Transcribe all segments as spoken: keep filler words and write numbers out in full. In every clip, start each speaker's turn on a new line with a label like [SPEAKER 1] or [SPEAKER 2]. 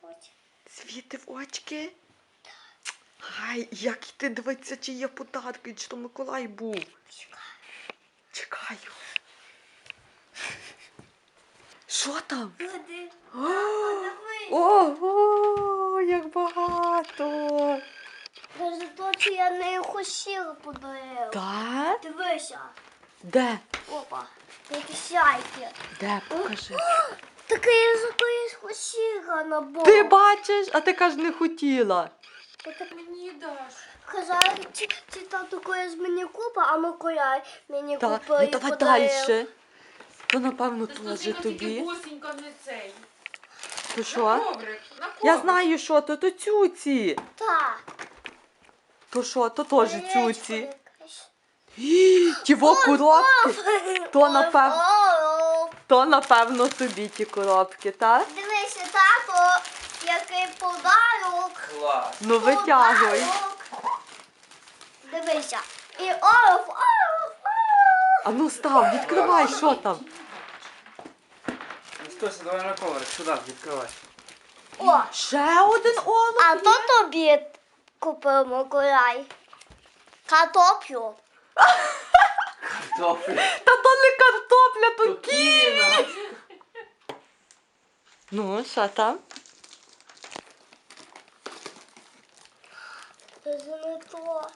[SPEAKER 1] очі.
[SPEAKER 2] Світи в очки? Ай, як ти дивиться, чи є подарки, чи то Миколай був.
[SPEAKER 1] Чекай.
[SPEAKER 2] Чекаю. Що там?
[SPEAKER 1] Води.
[SPEAKER 2] Ого, як багато.
[SPEAKER 1] Даже то, що я не хотіла подарила.
[SPEAKER 2] Так?
[SPEAKER 1] Дивися.
[SPEAKER 2] Де?
[SPEAKER 1] Опа. Які сяйки.
[SPEAKER 2] Де? Покажи.
[SPEAKER 1] Таке я за то я хотіла на бок.
[SPEAKER 2] Ти бачиш, а ти кажеш, не хотіла.
[SPEAKER 1] Ти мені даш. Казали, чи, чи там таке з мені купа, а Миколай мені
[SPEAKER 2] Так,
[SPEAKER 1] купив
[SPEAKER 2] ну
[SPEAKER 1] і
[SPEAKER 2] давай
[SPEAKER 1] подарив.
[SPEAKER 2] далі. То, напевно,
[SPEAKER 3] Ти
[SPEAKER 2] теж
[SPEAKER 3] тільки
[SPEAKER 2] тобі.
[SPEAKER 3] босенька не цей.
[SPEAKER 2] То
[SPEAKER 3] На
[SPEAKER 2] що?
[SPEAKER 3] коврик, на коврик.
[SPEAKER 2] Я знаю, що то, то цюці.
[SPEAKER 1] Так.
[SPEAKER 2] То що, то теж
[SPEAKER 1] Яєчко
[SPEAKER 2] цюці.
[SPEAKER 1] якесь.
[SPEAKER 2] Гі, Тіво коробки. То, напевно,
[SPEAKER 1] О,
[SPEAKER 2] то, напевно, тобі ті коробки, так?
[SPEAKER 1] дивися, тато, який подарок.
[SPEAKER 4] Клас.
[SPEAKER 2] Ну витягуй.
[SPEAKER 1] Подарок. Дивися. І олов, олов, олов.
[SPEAKER 2] А ну став, відкривай, що там.
[SPEAKER 4] Ну стойся, давай на коврик, сюди, відкривай.
[SPEAKER 1] О,
[SPEAKER 2] Ще один олов.
[SPEAKER 1] а то тобі купив Миколай. Картоплю.
[SPEAKER 4] Картофель.
[SPEAKER 2] Та то не картопля, то кі.
[SPEAKER 4] Кіно.
[SPEAKER 2] Ну, що там?
[SPEAKER 1] Це не то.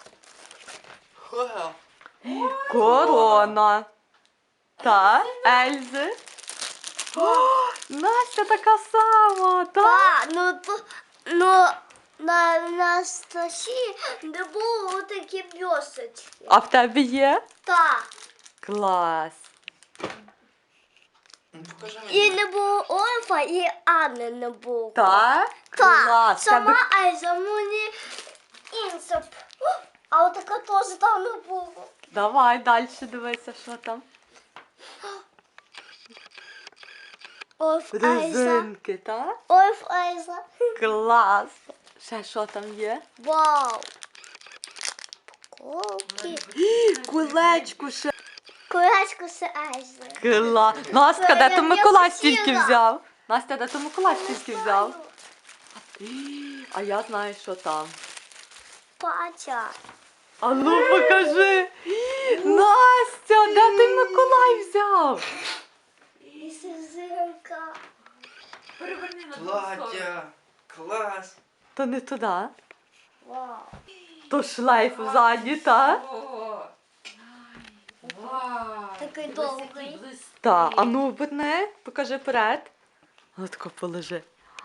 [SPEAKER 2] Корона. Та, Ельзи. О, Настя така сама, та?
[SPEAKER 1] Так, ну то, ну, на, на стасі не було такі бьосочки.
[SPEAKER 2] А в тебе є?
[SPEAKER 1] Так.
[SPEAKER 2] Клас.
[SPEAKER 4] Ну, покажи
[SPEAKER 1] І
[SPEAKER 4] мені.
[SPEAKER 1] не було Ольфа, і Анни не було.
[SPEAKER 2] Так?
[SPEAKER 1] Так.
[SPEAKER 2] Клас.
[SPEAKER 1] Сама
[SPEAKER 2] Тебе...
[SPEAKER 1] Ельза, мені інсоп. А от така теж там не було.
[SPEAKER 2] Давай далі дивися, що там.
[SPEAKER 1] Ольф Ельза.
[SPEAKER 2] Резинки, так?
[SPEAKER 1] Ольф Ельза.
[SPEAKER 2] Клас. Ще що там є?
[SPEAKER 1] Вау. Поколки.
[SPEAKER 2] Кулечку ще.
[SPEAKER 1] Курачку з Ельзи.
[SPEAKER 2] Клас. Настя, де
[SPEAKER 1] Я
[SPEAKER 2] то Миколай стільки
[SPEAKER 1] хотіла.
[SPEAKER 2] взяв? Настя, де то Миколай стільки взяв? Ій, А я знаю, що там.
[SPEAKER 1] Патя.
[SPEAKER 2] А ну покажи. Ій, Настя, де ти Миколай взяв?
[SPEAKER 1] І сизинка.
[SPEAKER 3] Переверни на другу сторону.
[SPEAKER 4] Плаття. Клас.
[SPEAKER 2] То не туди.
[SPEAKER 1] Вау.
[SPEAKER 2] То шлейф ззаді, та?
[SPEAKER 3] О, вау.
[SPEAKER 1] Такий
[SPEAKER 3] Дивись,
[SPEAKER 1] довгий.
[SPEAKER 3] який блискучий.
[SPEAKER 2] Та, а ну оберни, покажи вперед. Отако положи.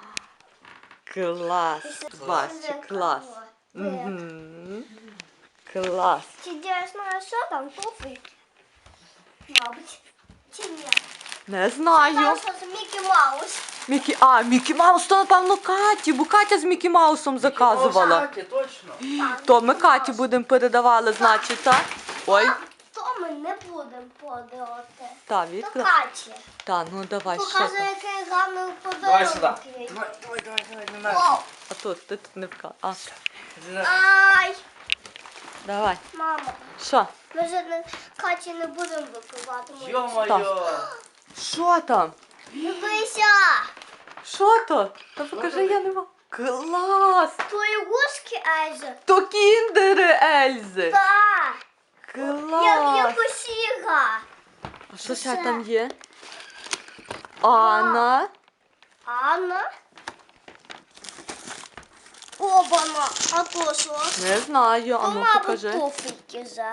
[SPEAKER 2] Клас. Бачиш, клас. Мгм. Клас.
[SPEAKER 1] Чи дійсно, що там туфлі? Мабуть. Чи ні?
[SPEAKER 2] Не знаю.
[SPEAKER 1] Там що з Мікі Маус.
[SPEAKER 2] Мікі... А, Мікі Маус, то напевно Каті, бо Катя з Мікі Маусом заказувала.
[SPEAKER 4] Кстати, точно.
[SPEAKER 2] То ми Каті будемо передавали, значить, так? Ой,
[SPEAKER 1] А то ми не будемо подавати.
[SPEAKER 2] та,
[SPEAKER 1] То
[SPEAKER 2] відкрив.
[SPEAKER 1] Каті.
[SPEAKER 2] Та, ну давай, що
[SPEAKER 1] Покажи,
[SPEAKER 2] там.
[SPEAKER 1] який гарний
[SPEAKER 4] Давай сюди.
[SPEAKER 1] подарунок. є.
[SPEAKER 4] Давай, давай, давай, давай, не
[SPEAKER 1] Вау.
[SPEAKER 4] надо.
[SPEAKER 2] А тут, ти тут не вка. А,
[SPEAKER 1] Ай,
[SPEAKER 2] давай.
[SPEAKER 1] мама.
[SPEAKER 2] Що?
[SPEAKER 1] Ми вже не, Каті не будемо випивати. ми-
[SPEAKER 4] Йо-моє.
[SPEAKER 2] Що там?
[SPEAKER 1] Дивися.
[SPEAKER 2] Що то? Та покажи, я не можу. Клас!
[SPEAKER 1] Твої гуски, Ельза.
[SPEAKER 2] То кіндери Ельзи.
[SPEAKER 1] Так. Як
[SPEAKER 2] Клас!
[SPEAKER 1] я посіга.
[SPEAKER 2] А що ще
[SPEAKER 1] Це.
[SPEAKER 2] там є? Анна.
[SPEAKER 1] Анна. Обана. А то що?
[SPEAKER 2] Не знаю, а
[SPEAKER 1] То,
[SPEAKER 2] ну
[SPEAKER 1] мабуть,
[SPEAKER 2] покажи.
[SPEAKER 1] туфельки за.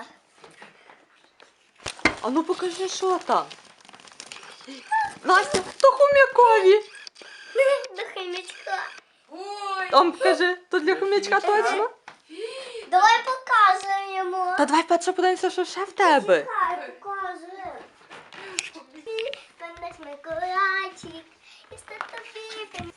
[SPEAKER 2] А ну покажи, що там. Настя, то хом'якові.
[SPEAKER 1] До химічка.
[SPEAKER 3] Ой,
[SPEAKER 2] Там покажи, то для хом'ячка точно?
[SPEAKER 1] Давай показуємо.
[SPEAKER 2] Та давай перше подивимося, що ще в тебе.
[SPEAKER 1] Чекай, показуємо. Пам'ять Миколайчик. І статові.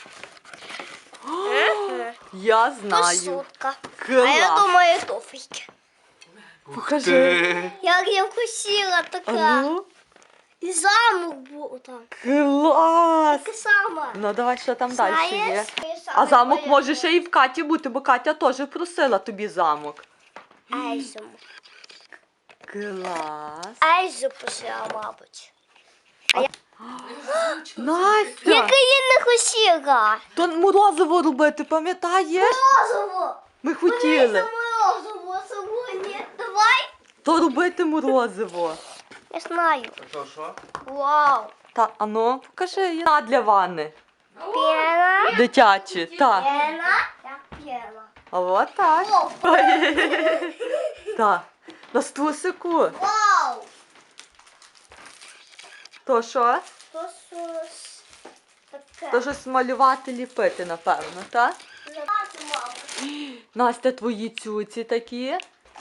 [SPEAKER 2] Я
[SPEAKER 1] То
[SPEAKER 2] знаю.
[SPEAKER 1] сутка. А я
[SPEAKER 2] Клас.
[SPEAKER 1] думаю, туфельки.
[SPEAKER 2] Покажи.
[SPEAKER 1] Як я вкусила
[SPEAKER 2] А
[SPEAKER 1] така.
[SPEAKER 2] ну.
[SPEAKER 1] І замок був там.
[SPEAKER 2] Клас.
[SPEAKER 1] Таке саме.
[SPEAKER 2] Ну давай, що там далі є.
[SPEAKER 1] Знаєш?
[SPEAKER 2] А замок може ще і в Каті бути, бо Катя теж просила тобі замок.
[SPEAKER 1] Ельзу.
[SPEAKER 2] Клас.
[SPEAKER 1] Ельзу посила, мабуть.
[SPEAKER 2] Настя!
[SPEAKER 1] Яке я не хотіла.
[SPEAKER 2] То морозиво робити, пам'ятаєш?
[SPEAKER 1] Морозиво.
[SPEAKER 2] Ми
[SPEAKER 1] Це
[SPEAKER 2] хотіли.
[SPEAKER 1] морозиво сьогодні. Давай.
[SPEAKER 2] То робити морозиво.
[SPEAKER 1] Я знаю.
[SPEAKER 4] А то що?
[SPEAKER 1] Вау.
[SPEAKER 2] Та, ану, покажи. На для ванни.
[SPEAKER 1] Пена.
[SPEAKER 2] Дитячі, так.
[SPEAKER 1] Пена. Я пена.
[SPEAKER 2] А от так.
[SPEAKER 1] О,
[SPEAKER 2] Так. На стусику.
[SPEAKER 1] вау.
[SPEAKER 2] То що?
[SPEAKER 1] То щось таке.
[SPEAKER 2] То щось малювати, ліпити, напевно, так?
[SPEAKER 1] Давайте, мама.
[SPEAKER 2] Настя, твої цюці такі.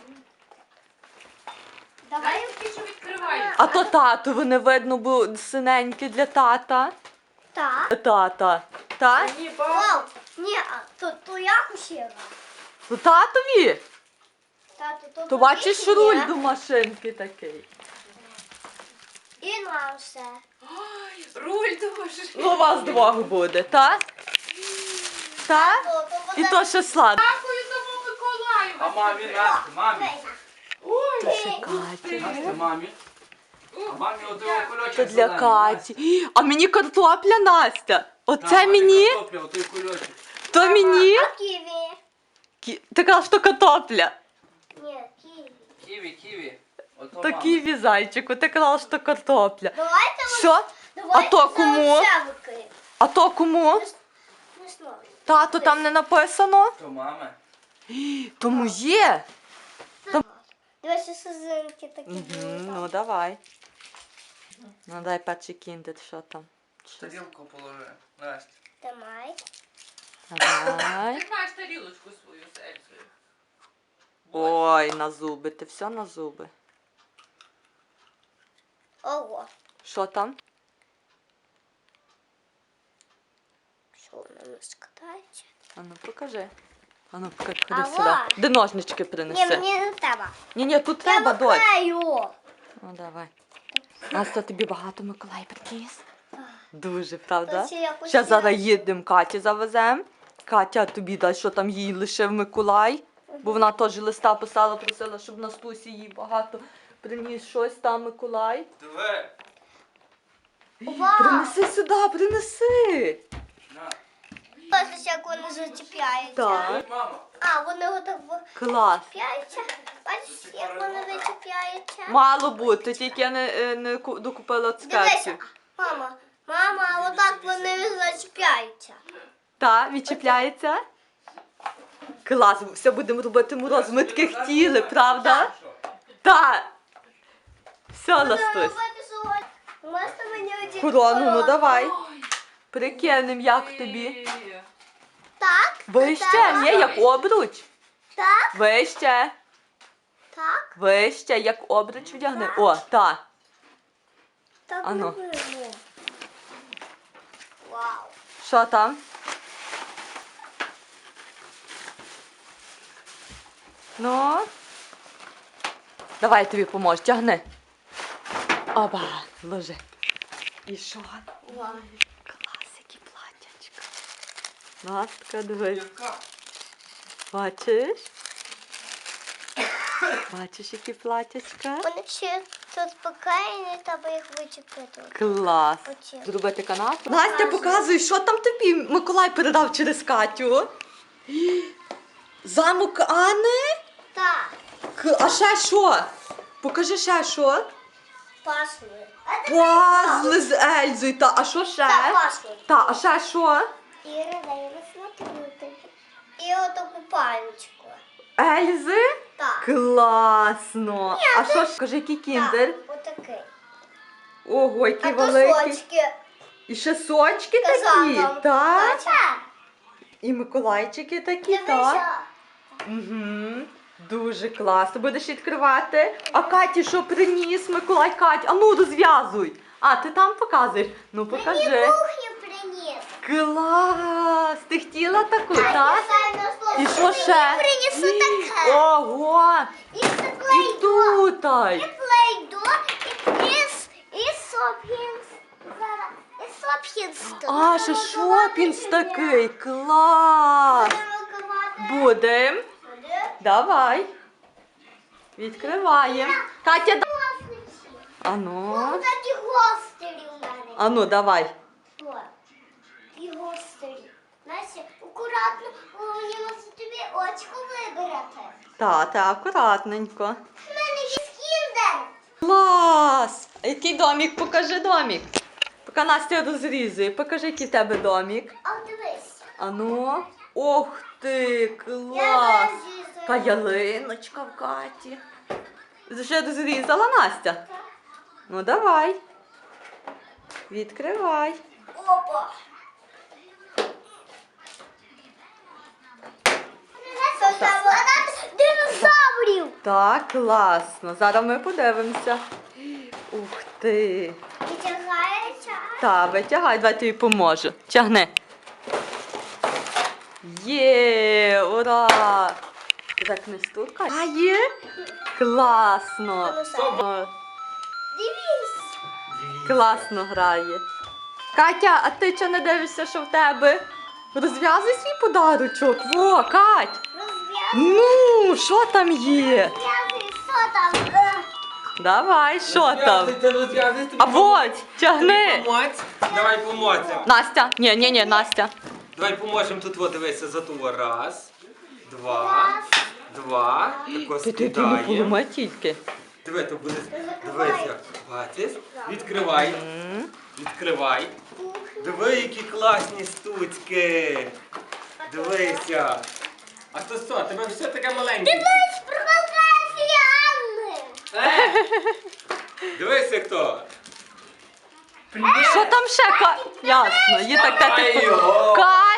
[SPEAKER 1] Давай.
[SPEAKER 3] Дай ти що відкриваєш.
[SPEAKER 2] А то тату, вони видно, бо синенькі для тата.
[SPEAKER 1] Так.
[SPEAKER 2] Тата. Так?
[SPEAKER 4] Ні, папа.
[SPEAKER 1] Вау. Ні, а то, то я хотіла.
[SPEAKER 2] То татові.
[SPEAKER 1] Тато, то
[SPEAKER 2] То бачиш
[SPEAKER 1] тобі
[SPEAKER 2] руль
[SPEAKER 1] є.
[SPEAKER 2] до машинки такий.
[SPEAKER 1] І нам все.
[SPEAKER 3] Ой, руль до машини.
[SPEAKER 2] Ну, у вас двох буде, так? Так?
[SPEAKER 1] То, то
[SPEAKER 2] І то ще сладко.
[SPEAKER 3] Дякую тому Миколаю.
[SPEAKER 4] А мамі, Настя, мамі.
[SPEAKER 3] Ой,
[SPEAKER 2] Ще Катя.
[SPEAKER 4] Настя, мамі. А мамі от його кульочок
[SPEAKER 2] Це для
[SPEAKER 4] зелений,
[SPEAKER 2] Каті. А мені картопля, Настя.
[SPEAKER 4] Настя.
[SPEAKER 2] Оце
[SPEAKER 4] Так, а ти
[SPEAKER 2] мені,
[SPEAKER 4] картопля, отой кульочок.
[SPEAKER 2] то мені.
[SPEAKER 1] А ківі?
[SPEAKER 2] Кі- Ти кажеш, що картопля.
[SPEAKER 1] Ні, ківі.
[SPEAKER 4] Ківі, ківі. Ото
[SPEAKER 2] То
[SPEAKER 4] мама.
[SPEAKER 2] ківі, зайчику, ти казала, що картопля.
[SPEAKER 1] Давайте ось-
[SPEAKER 2] Що?
[SPEAKER 1] давайте
[SPEAKER 2] А то кому?
[SPEAKER 1] за оце викриємо.
[SPEAKER 2] А то кому?
[SPEAKER 1] Не знаю.
[SPEAKER 2] Тато, там не написано?
[SPEAKER 4] То мами.
[SPEAKER 2] Тому є.
[SPEAKER 1] Дивися, сузинки такі
[SPEAKER 2] Угу,
[SPEAKER 1] були.
[SPEAKER 2] ну давай. Ну дай перший кіндер, що там. Щось.
[SPEAKER 4] Тарілку положи. Настя.
[SPEAKER 1] Тримай.
[SPEAKER 2] Давай.
[SPEAKER 3] ти маєш тарілочку свою з Ельзою.
[SPEAKER 2] Ой, на зуби, ти все на зуби.
[SPEAKER 1] Ого.
[SPEAKER 2] Що там?
[SPEAKER 1] Що воно не складається?
[SPEAKER 2] Ану, покажи. Ану, покажи,
[SPEAKER 1] Ава.
[SPEAKER 2] ходи сюди. Де ножнички
[SPEAKER 1] Ні,
[SPEAKER 2] принеси?
[SPEAKER 1] мені не треба.
[SPEAKER 2] Ні, ні, тут
[SPEAKER 1] Я
[SPEAKER 2] треба, дочь.
[SPEAKER 1] викрию.
[SPEAKER 2] Ну давай. Настя, тобі багато Миколай приніс? Дуже, правда?
[SPEAKER 1] То ще якось
[SPEAKER 2] Ще
[SPEAKER 1] я-
[SPEAKER 2] зараз їдемо, Каті завеземо. Катя, тобі дай, що там їй лишив Миколай. Бо вона теж листа писала, просила, щоб на стусі їй багато приніс щось там Миколай.
[SPEAKER 4] Диви.
[SPEAKER 1] Вау.
[SPEAKER 2] Принеси сюди, принеси.
[SPEAKER 4] На.
[SPEAKER 1] Бачиш, як вони зачіпляються.
[SPEAKER 2] Так.
[SPEAKER 4] Ой, мама.
[SPEAKER 1] А, вони отак
[SPEAKER 2] Клас.
[SPEAKER 1] вичіпляються. Бачиш, як вони вичіпляються?
[SPEAKER 2] Мало бути, тільки я не, е, не ку- докупила
[SPEAKER 1] Дивися,
[SPEAKER 2] цукерки.
[SPEAKER 1] мама, мама, отак вони зачіпляються.
[SPEAKER 2] Так, відчіпляється. Клас, все будемо робити мороз. Ми таке хотіли, правда? Так. Все,
[SPEAKER 1] Будемо
[SPEAKER 2] Настусь.
[SPEAKER 1] робити сьогодні. Можете мені одягти
[SPEAKER 2] Корону, ну давай.
[SPEAKER 3] Ой,
[SPEAKER 2] Прикинем, як
[SPEAKER 3] ти.
[SPEAKER 2] тобі.
[SPEAKER 1] Так,
[SPEAKER 2] Вище,
[SPEAKER 1] так,
[SPEAKER 2] ні, як обруч.
[SPEAKER 1] так,
[SPEAKER 2] Вище,
[SPEAKER 1] так,
[SPEAKER 2] вище, як обруч вдягни. О, так.
[SPEAKER 1] так.
[SPEAKER 2] Ану.
[SPEAKER 1] робимо. Вау.
[SPEAKER 2] Що там? Ну. Давай я тобі поможу, тягни. Оба, ложи. І що?
[SPEAKER 1] Вау.
[SPEAKER 2] Клас, які платячка. Настя, дивись.
[SPEAKER 4] Яка?
[SPEAKER 2] Бачиш? Бачиш, які платячка?
[SPEAKER 1] Вони ще тут спокійні, треба їх вичепити.
[SPEAKER 2] Клас.
[SPEAKER 1] Оці.
[SPEAKER 2] Зробити канапу. Настя, показуй, що там тобі Миколай передав через Катю. Замок Анни?
[SPEAKER 1] Так,
[SPEAKER 2] К- А ще що? Покажи ще що.
[SPEAKER 1] пасли.
[SPEAKER 2] Пазли з Ельзою. Та, а що ще?
[SPEAKER 1] Так, пасли.
[SPEAKER 2] Та, а ще що?
[SPEAKER 1] Іра, дай я смотрю тобі. І отаку паличку.
[SPEAKER 2] Ельзи?
[SPEAKER 1] Так.
[SPEAKER 2] Класно. А що ж? Кажи, який кіндер?
[SPEAKER 1] Так, отакий.
[SPEAKER 2] Ого,
[SPEAKER 1] А
[SPEAKER 2] який
[SPEAKER 1] то
[SPEAKER 2] великий.
[SPEAKER 1] сочки.
[SPEAKER 2] І ще сочки такі,
[SPEAKER 1] Казала.
[SPEAKER 2] так?
[SPEAKER 1] Так.
[SPEAKER 2] І Миколайчики такі, так?
[SPEAKER 1] Дивися.
[SPEAKER 2] Угу. Дуже класно. Будеш відкривати. А Каті що приніс? Миколай, Кать, а ну розв'язуй. А, ти там показуєш? Ну покажи.
[SPEAKER 1] Кухню приніс.
[SPEAKER 2] Клас! Ти хотіла таку, так? І що ще?
[SPEAKER 1] Принесу таке.
[SPEAKER 2] Ого!
[SPEAKER 1] І
[SPEAKER 2] І
[SPEAKER 1] плейдо.
[SPEAKER 2] тутай.
[SPEAKER 1] І плейдо. І іс. І сопінс. Зараз. І сопінс.
[SPEAKER 2] А, ще шопінс такий. Клас! Будем. Давай. Відкриваємо. Катя, да- а ну.
[SPEAKER 1] Ось такі гострі у мене
[SPEAKER 2] А ну, давай.
[SPEAKER 1] О, і гострі. Настя, акуратно, мені мусить тобі очко вибирати.
[SPEAKER 2] Та, та, акуратненько.
[SPEAKER 1] У мене є кіндер.
[SPEAKER 2] Клас! А який домик? Покажи домик. Поки Настя розрізує, покажи, який в тебе домик.
[SPEAKER 1] А дивись.
[SPEAKER 2] А ну. Ох ти,
[SPEAKER 1] Я
[SPEAKER 2] клас!
[SPEAKER 1] зараз з'їздила.
[SPEAKER 2] Така ялиночка в Каті. Вже розрізала Настя? Ну давай. Відкривай.
[SPEAKER 1] Опа. Настя, вона динозаврів.
[SPEAKER 2] Так, класно. Зараз ми подивимося. Ух ти.
[SPEAKER 1] Витягається.
[SPEAKER 2] Та, витягай, давай тобі поможу. Тягни. Є, ура! Ти так не стукай. А є? Класно. О,
[SPEAKER 1] Дивись.
[SPEAKER 2] класно грає. Катя, а ти чого не дивишся, що в тебе? Розв'язуй свій подарочок. Во, Кать.
[SPEAKER 1] Розв'язуй.
[SPEAKER 2] Ну, що там є?
[SPEAKER 1] Розв'язуй, що там? Е,
[SPEAKER 2] Давай, що там?
[SPEAKER 4] Розв'язуйте, розв'язуйте.
[SPEAKER 2] А вот, тягни.
[SPEAKER 4] Помочь? Давай поможемо.
[SPEAKER 2] Настя, ні, ні, ні, Настя.
[SPEAKER 4] Давай поможемо тут, от, дивися, за ту. Раз, два, два. Тако
[SPEAKER 2] Ти ти ти не
[SPEAKER 4] скидаємо.
[SPEAKER 2] поламай тільки.
[SPEAKER 4] Диви, то буде. Дивися. Бачиш? Відкривай. Відкривай. Диви, які класні штучки. Дивися. А то що, тебе все таке маленьке?
[SPEAKER 1] Дивись, провокація Анни.
[SPEAKER 4] Е! Дивися хто.
[SPEAKER 2] Що там ще? Ка... Ясно, є так
[SPEAKER 4] Ай
[SPEAKER 2] тати.
[SPEAKER 4] його.
[SPEAKER 2] Катя!